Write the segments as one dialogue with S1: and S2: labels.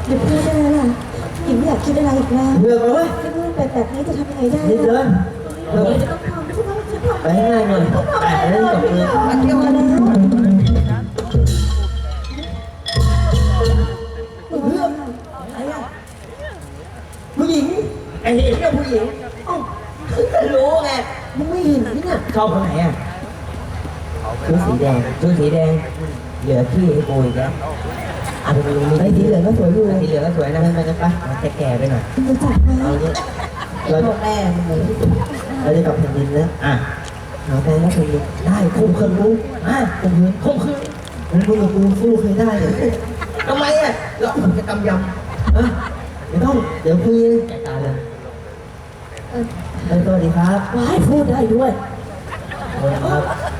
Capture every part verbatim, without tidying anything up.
S1: หยุดพูดได้แล้วล่ะหญิงไม่อยากคิดอะไรอีกแล้ว
S2: เลือกเลย
S1: ที่พูดไปแบบนี้จะทำยังไงได้
S2: นิดเดิ
S1: ล่ะ
S2: นเรา
S1: ต้องทำใช่ไหมฉันทำ
S2: ไปให้ง่ายหน่อยแต่เล่นกับมือ
S1: มันเดียวแล้ว
S2: ผู้หญิงไอ้เห็นกับผู้หญิงเอ้ารู้ไงมึงไม่เห็นนี่เนี่ยชอบคนไหนอ่ะชุดสีแดงชุดสีแดงเหลือพี่ไอ้โบยแล้วอ่ะไปดูนี่สีเหลืองก็สวยอยู่สีเหลืองก็สวยนะมันจะปะมันจะแก่ไปหน่อย
S1: รู้จักไหม
S2: เอาเนี่ยเราจะแม่เราจะกลับแผ่นดินแล้วอ่ะหาแฟนแล้วแผ่นดินได้คุ้มคืนรู้อ่ะคุ้มคืนคุ้มคืนมันพูดกับกูสู้เคยได้เหรอทำไมอ่ะเราจะกำยำอ่ะไม่ต้องเดี๋ยวคุยแกตาเลยเออสวัสดีครับ
S1: ว้ายพูดได้ด้วย
S2: สวัสดีครับ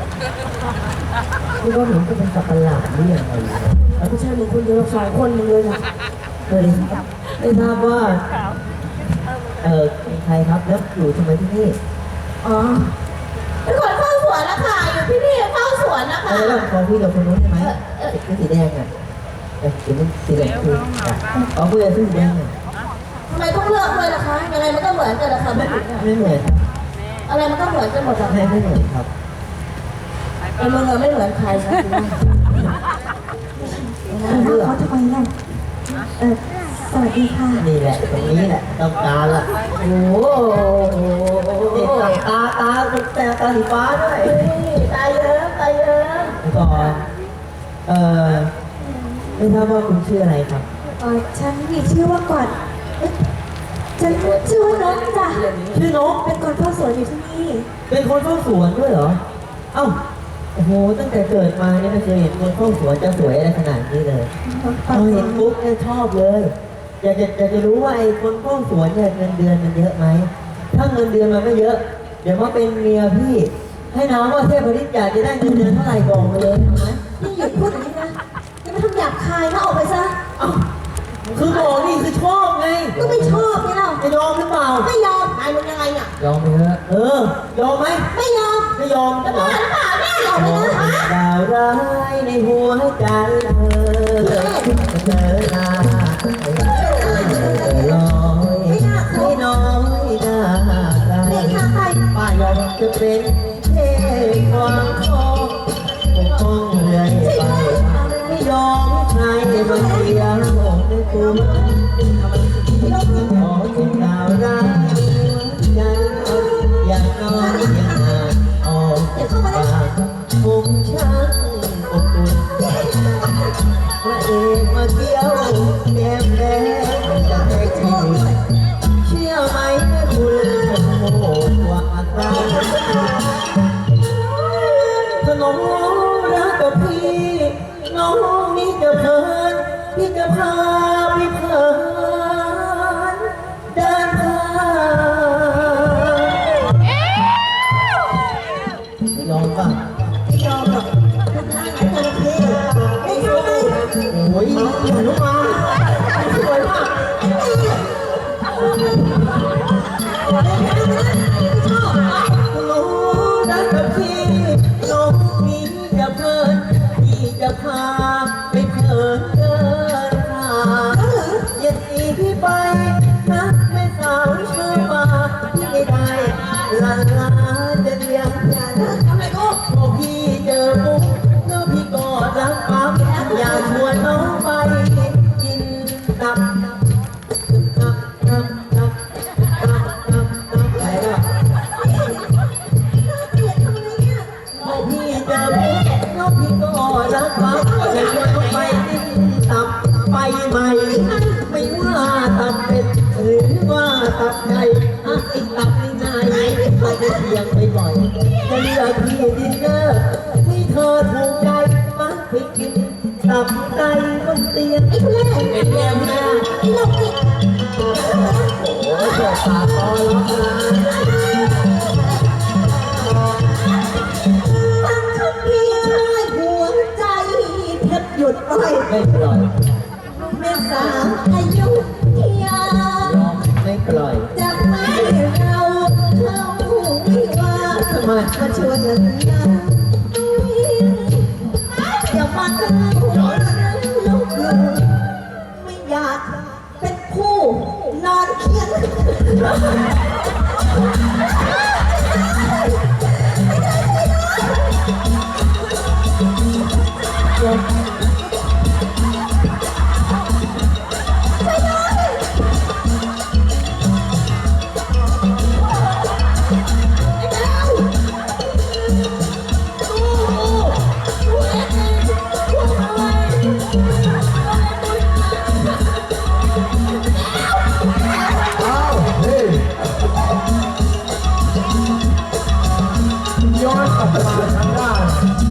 S2: พี่ว่าผมก็เป็นสัตว์ประหลาดหรือยังไง
S1: ไม่ใช่มึงคนเดียวสองคนมึงเลยนะ
S2: สวัสดีครับไม่ทราบว่าเออเป็นใครครับแล้วอยู่ทำไมที่นี่
S1: อ๋อเป็นคนเฝ้าสวนนะคะอยู่ที่นี่เฝ้าสวนนะคะ
S2: แล้วเราขอคุยกับคนนู้นใช่ไหมชุดสีแดงอ่ะเดี๋ยวมันสีเหลืองคือขอคุยกับชุดสีแดงอ่ะ
S1: ทำไมต้องเลือกด้วยล่ะคะยังไงมันก็เหมือนกันนะคะไม่ผิดนะ
S2: ไม่เหมือนครับ
S1: อะไรมันก็เหมือนกันหมดอะ
S2: ไม่ไม่เหมือนครับ
S1: ไอ้มึงอะไม่เหมือนใครนะคุณว่าเขาทำไมล่ะเออสวัสดีค่ะ
S2: นี่แหละตรงนี้แหละต้องการละโอ้โหนี่ตาตาตาแต่ตาสีฟ้าด้วย
S1: ตายเยอะตายเยอะ
S2: ก่อนเอ่อไม่ทราบว่าคุณชื่ออะไรครับ
S1: เออฉันมีชื่อว่าก่อนเอ๊ะฉันชื่อว่านกจ้ะ
S2: ชื่อนก
S1: เป็นคนเฝ้าสวนอยู่ที่นี่
S2: เป็นคนเฝ้าสวนด้วยเหรอเอ้าโอ้โหตั้งแต่เกิดมาเนี่ยไม่เคยเห็นคนเฝ้าสวนจะสวยอะไรขนาดนี้เลยพอเห็นปุ๊บเนี่ยชอบเลยอยากจะอยากจะรู้ว่าไอ้คนเฝ้าสวนเนี่ยเงินเดือนมันเยอะไหมถ้าเงินเดือนมันไม่เยอะ เดี๋ยวมาเป็นเมียพี่ ให้น้องว่าเทพฤทธิ์อยากจะได้เงินเดือนเท่าไหร่บอกมาเลยเอาไหม
S1: นี่หยุดพูดอย่างนี้นะอย่ามาทำหยาบคายนะออกไปซะ
S2: เอ้าคือบอกนี่คือชอบไง
S1: ก็ไม่ชอบนี่เรา
S2: จะยอมหรือเปล่า
S1: ไม่ยอมไอ้มึงยังไงเนี่ย
S2: ยอมไหมฮะเออยอมไหม
S1: ไม่ยอม
S2: ไม่ยอม
S1: จะ
S2: เหร
S1: บ้า
S2: อ
S1: หรือเปล่าแม่ยอม
S2: ม
S1: เล
S2: อย ง
S1: นะ
S2: ดาวร้ายในหัวใจเธอเธอหน้าเธอลอยให้น้อยหน้าใคร
S1: นี่ค่ะใคร
S2: ป้ายอมจะเป็นเทพความคองปกป้องเรื่อยไปไม่ยอมใครมาเสียในตัวขอจงดาวร้ายใจอย่างน้อยอย่างนานออกจากปากผมช่างอบอุ่นพระเอกมาเที่ยวแก้มแดงจะให้ที่เชื่อไหมแม่คุณโอ้โหว่าอะไรถ้าน้องรักกับพี่น้องนี่จะเพลินพี่จะพาไปเพลินเดินทางยอมป่ะ
S1: ไม่ยอมหรอกคุณทางไหนตัวพี่ไม่ยอม
S2: โอ้ยหันมาสวยมากรู้นะกับพี่น้องนี้จะเพลินพี่จะพาไปเพลินเดินทางอย่าหนีพี่ไปนะแม่สาวเชื่อมาพี่ไม่ได้ลาลาจะเลี้ยงอย่านะทำไมก็พอพี่เจอปุ๊บแล้วพี่ก็รักปั๊บอยากชวนน้องไปกินตับตับตับตับตับตับตับอะไรวะ พอพี่เจอพี่น้องพี่ก็รักปั๊บจะชวนน้องไปกินตับไปใหม่ไม่ว่าตับเป็ดหรือว่าตับไก่อ่ะไอ้ตับนี่นายเขาจะเทียงไปบ่อยจะเลือกพี่ดินเนอร์ให้เธอถูกใจมักไปกินตับไก่บนเตียงไอ้แม่เป็นแม่แม่ไอ้ลูกนี่โอ้โหเจ้าตาคอร้องไห้
S1: ฟังคำพี่ชายหัวใจแทบหยุดไป
S2: ไม่ปล่อย
S1: แม่สาวอายุทยาย
S2: อมไม่ปล่อย
S1: จะไม่เราเข้าวิวา
S2: ทำไม
S1: มาชวนกันยา